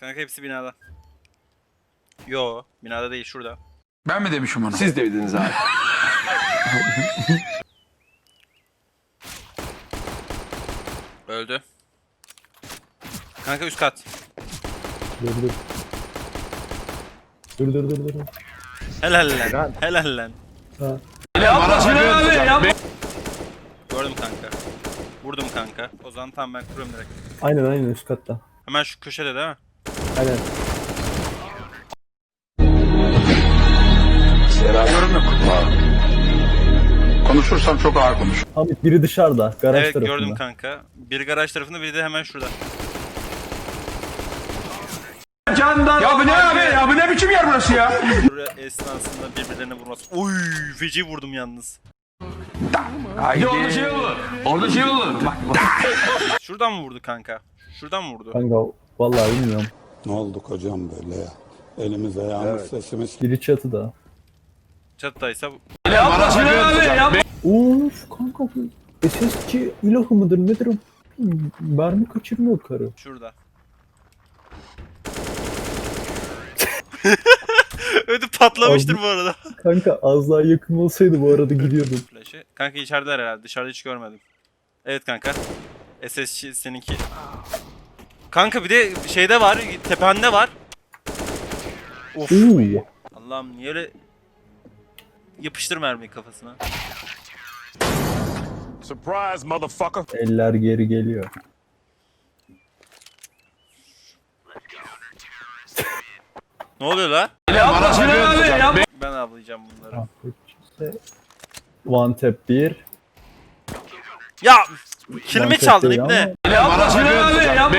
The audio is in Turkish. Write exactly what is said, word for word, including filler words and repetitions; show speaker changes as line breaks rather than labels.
Kanka hepsi binada. Yo, binada değil, şurada.
Ben mi demişim onu?
Siz dediniz abi.
Öldü. Kanka üst kat.
Dur dur. Dur dur dur dur.
Helal lan. Helal lan.
Ha.
Yapma Sinan abi yapma.
Gördüm kanka. Vurdum kanka. O zaman tamam ben kuruyorum direkt.
Aynen aynen üst katta.
Hemen şu köşede değil mi?
Aynen.
Yorum yok. Konuşursam çok ağır konuş.
Hamit biri dışarıda. Garaj
Evet
tarafında.
gördüm kanka. Biri garaj tarafında, biri de hemen şurada.
Candan. Ya bu ne abi? Ya bu ne biçim yer burası ya?
Buraya esnasında birbirlerine vurması. Oy, feci vurdum yalnız.
Haydi. Orada şey olur. Orada şey olur. Bak bak.
Şuradan mı vurdu kanka? Şuradan mı vurdu?
Kanka vallahi bilmiyorum.
Ne olduk hocam böyle ya? Elimiz ayağımız sesimiz.
Biri çatıda.
Çatıdaysa
Yapma Sinan abi yapma.
Of kanka bu S S C ilahı mıdır nedir o? Mermi kaçırmıyor karı.
şurada. Ödü patlamıştır bu arada.
Kanka az daha yakın olsaydı bu arada gidiyordum.
Flash'ı. Kanka içerideler herhalde. Dışarıda hiç görmedim. Evet kanka. S S C seninki. Kanka bir de şeyde var. Tepende var. Of.
Oo.
Allah'ım niye öyle... Yapıştır mermiyi kafasına.
Surprise, motherfucker.
Eller geri geliyor.
Ne oluyor la?
Yapma Sinan abi yapma.
Ben avlayacağım bunları.
One tap bir.
Ya! Kilimi
One tap
çaldın
değil
ibne.
ama
Yapma Sinan abi yapma.